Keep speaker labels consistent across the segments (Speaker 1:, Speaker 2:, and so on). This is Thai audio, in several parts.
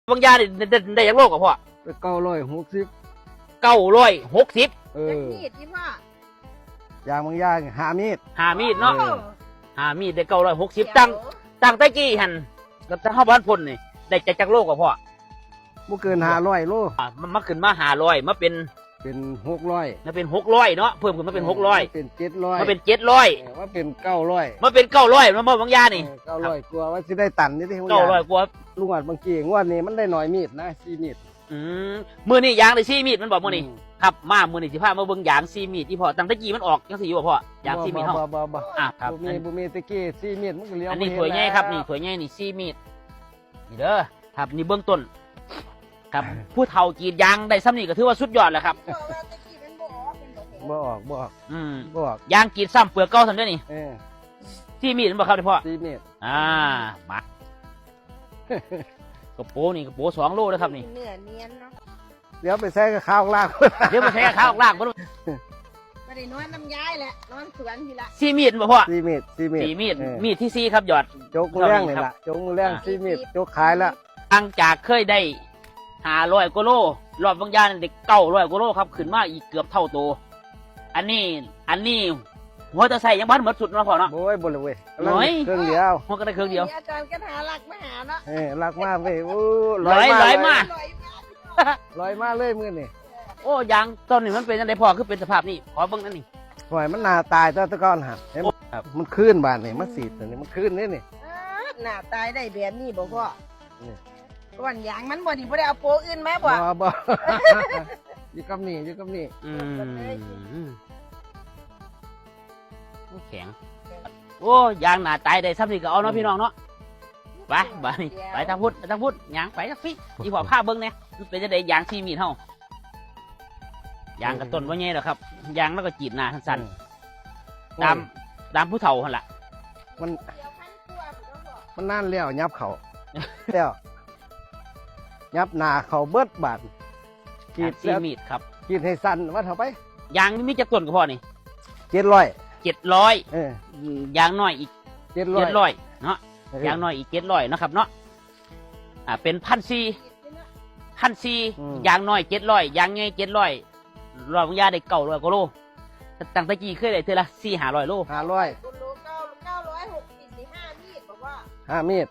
Speaker 1: บางยาได้ยังโลกกับพ่อ
Speaker 2: ไป960
Speaker 1: 960
Speaker 3: มีดที่พ่อย
Speaker 2: างบางอย่างหามีด
Speaker 1: หามีดเนาะหามีดได้960ตั้งแต่กี้หันก็จะเข้าบ้านพลนี่ได้จากโลกกับพ่อ
Speaker 2: บ่เกิน500โล
Speaker 1: มันมาขึ้นมา500มาเป็น
Speaker 2: 600
Speaker 1: มาเป็น600เนาะเพิ่มขึ้นมาเป็น600
Speaker 2: เป็น700
Speaker 1: มาเป็น700
Speaker 2: มาเป็น900
Speaker 1: มาเป็น900มาบางยานี่
Speaker 2: 900กว่าว่าสิได้ตันนี่ที่
Speaker 1: 900กว่า
Speaker 2: ลุงอัดบางกี้งวดนี้มันได้น้อยมีดนะ4มีด
Speaker 1: มื้อนี้ยางได้4มีดมันบอกมื้อนี้ครับมามื้อนี้สิพามาเบิ่งยาง4มีดที่พ่อตั้งแต่กี้มันออกจังซี่อยู่บ่พ่อยาง4มีดเฮา
Speaker 2: บ่
Speaker 1: ครับ
Speaker 2: บ่มีตะกี้4มีดมันก็เลี้ยว
Speaker 1: อันนี้ถ้วยใหญ่ครับนี่ถ้วยใหญ่นี่4มีดนี่เด้อครับนี่เบื้องต้นครับผู้เฒ่ากรีดยางได้ซ้ำนี่ก็ถือว่าสุดยอดแล้วครับ
Speaker 2: บ่ออกบ่ออก
Speaker 1: ยางกรีดซ้ำเปลือกเก่าซ้ำเด้อนี่4มีดมันบ่ครับพ่อ
Speaker 2: 4มีด
Speaker 1: มากระโปรงนี่กระโปรง2 โลนะครับนี่
Speaker 3: เนื้อเนียนเนาะ
Speaker 2: เดี๋ยวไปใส่กับข้าวลาก
Speaker 1: เดี๋ยวไปใส่กับข้าวลากบ่
Speaker 3: ไม่ได้นอนน้ำย้ายแหละนอนสวนทีละ
Speaker 1: 4มีดบ่พ่อ
Speaker 2: 4มีด
Speaker 1: มีดที่4ครับยอด
Speaker 2: จกมือแรงนี่ล่ะจกมือแรง4มีดจกขายละ
Speaker 1: หลังจากเคยได้500กว่าโลรอบบางยานเด็ก900กว่าโลครับขึ้นมาอีกเกือบเท่าโตอันนี้หัวจะใส่ยังบ้านหมดสุดนะพ่อเนาะ
Speaker 2: โอ้ยบ่เลยเว้ยเครื่องเดียว
Speaker 1: หัวก็ได้เครื่องเดียว
Speaker 3: อาจารย์ก็หาหลักมาหาเนาะ
Speaker 2: หลักมากเว้ย
Speaker 1: ร้อยมา
Speaker 2: เลยมื้อนี่
Speaker 1: โอ้ยางต้นนี่มันเป็นจังได๋พ่อคือเป็นสภาพนี้ขอเบิ่งนั่นนี่
Speaker 2: ปล่อยมันหน้าตายตะก้อนหักมันคืนบาดนี่มันสีดนี่มันคืนนี่
Speaker 3: หน้าตายได้แบบนี้บ่พ่อก้อนยางมันบ่นี่บ่ได้เอาโปอื่นมาบ่
Speaker 2: อยู่กับนี่
Speaker 1: แข็งโอ้ยางหน้าตายได้ซ้ำนี่ก็เอาเนาะพี่น้องเนาะไปไปทางพุทธยางไปสักพี่อีพ่อพาเบิ่งเนี่ยมันเป็นจังได๋ยาง4มีดเฮายางกระต้นบ่ใหญ่ดอกครับยางแล้วก็จีดหน้าสั้นๆตามผู้เฒ่าหั่นล่ะ
Speaker 2: มันนั่นแล้วยับเขาแล้วยับหน้าเขาเบิดบาด
Speaker 1: กรีด4มีดครับ
Speaker 2: กรีดให้สั้นว่าเท่าไป
Speaker 1: ยางมีจักต้นก็พอนี่
Speaker 2: 700
Speaker 1: ยางน้อยอีก700เนาะยางน้อยอีก700นะครับเนาะเป็น1,400ยางน้อย700ยางใหญ่700รอบบางยาได้900กว่าโลตั้งแต่กี้เคยได้เท่าละ4-500 โล
Speaker 2: 500
Speaker 3: 960นี่5มีดบอกว่า
Speaker 2: 5มีด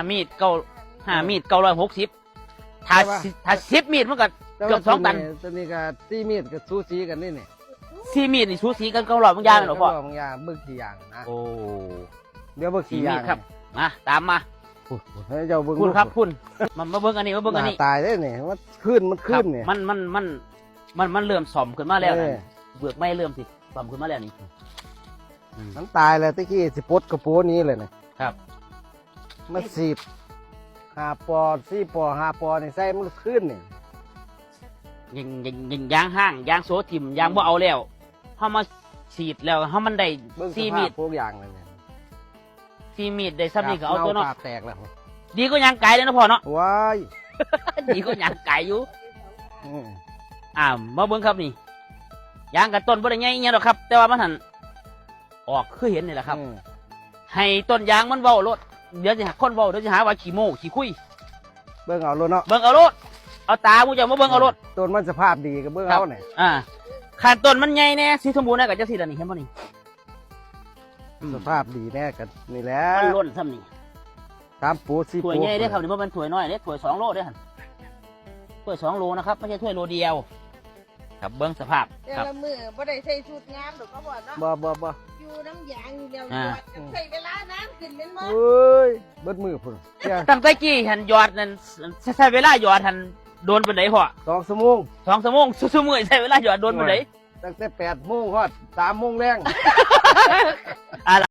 Speaker 1: 960ถ้า10มีดมันก็เกือบ2 ตัน
Speaker 2: ตัวนี้ก็4มีดก็สูสีกันนี่
Speaker 1: 4มีดนี่สูสีกัน900บางยาเหรอพ่
Speaker 2: อบางยาเบิกกี่อย่างนะ
Speaker 1: โอ้
Speaker 2: เดี๋ยวเบิกกี่อย่าง
Speaker 1: ครับมาตามมา
Speaker 2: เจ้าเบิก
Speaker 1: คุณครับคุณมาเบิ่งอันนี้
Speaker 2: ตายได้เนี่ยมันขึ้นเนี่ย
Speaker 1: มันเริ่มส่อมขึ้นมาแล้วเบือกไม่เริ่มสิส่อมขึ้นมาแล้วนี่
Speaker 2: มันตายแล้วตะกี้สิปดกระโปงนี้เลยนะครับมัน10 5 ปอ4 ปอ 5 ปอนี่ใส่มันขึ้นเนี่ย
Speaker 1: ยางห้างยางโซทิมยางบ่เอาแล้วเฮามาฉีดแล้วเฮามันได้4มีด
Speaker 2: พวกอย่างเลย
Speaker 1: 4มีดได้ซ้ำนี่ก็เอาตัวเนาะ
Speaker 2: แตกแล้ว
Speaker 1: ดีก็ยางไก่เลยนะพ่อเนาะ
Speaker 2: ว้าย
Speaker 1: ดีก็ยางไก่อยู่มาเบิ่งครับนี่ยางกับต้นบ่ได้ใหญ่เงี้ยหรอกครับแต่ว่ามันหันออกคือเห็นนี่แหละครับให้ต้นยางมันเว้ารถเดี๋ยวสิหาคนเว้าเดี๋ยวสิหาว่าขี้โม้ขี้คุย
Speaker 2: เบิ่งเอารถเนาะ
Speaker 1: เบิ่งเอารถเอาตามูจะมาเบิ่งเอารถ
Speaker 2: ต้นมันสภาพดีกับเบิ่งเอาเนี่ย
Speaker 1: ขาดต้นมันใหญ่แน่สีสมบูรณ์แน่กับเจ้าสีดานี่เห็นป่ะนี่
Speaker 2: สภาพดีแน่กันนี่แหละ
Speaker 1: มันล้นซ้ำนี่
Speaker 2: ตามปูซี
Speaker 1: ถ้วยใหญ่ได้ครับนี่มันเป็นถ้วยน้อยเล็กถ้วย2 โลได้หันถ้วย2 โลนะครับไม่ใช่ถ้วยโลเดียวครับเบิ้งสภาพ
Speaker 3: ครับมือบ่ได้ใส่ชุดงามหรอกเขาบอกเนาะ
Speaker 2: บ่
Speaker 3: อยู่น้ำยางเดียวใส่เวลาน้ำขึ้นเป็นมั้ง
Speaker 2: เบิดมือพุ่น
Speaker 1: ตั้งแต่กี้หันยอดนั่นใช้เวลายอดหันโดนเป็นไหนพ่อ
Speaker 2: 2 ชั่วโมง
Speaker 1: ชั่วโมงใช้เวลายอดโดนเป็นไหน
Speaker 2: ตั้งแต่8 โมงฮอด3 โมงแรง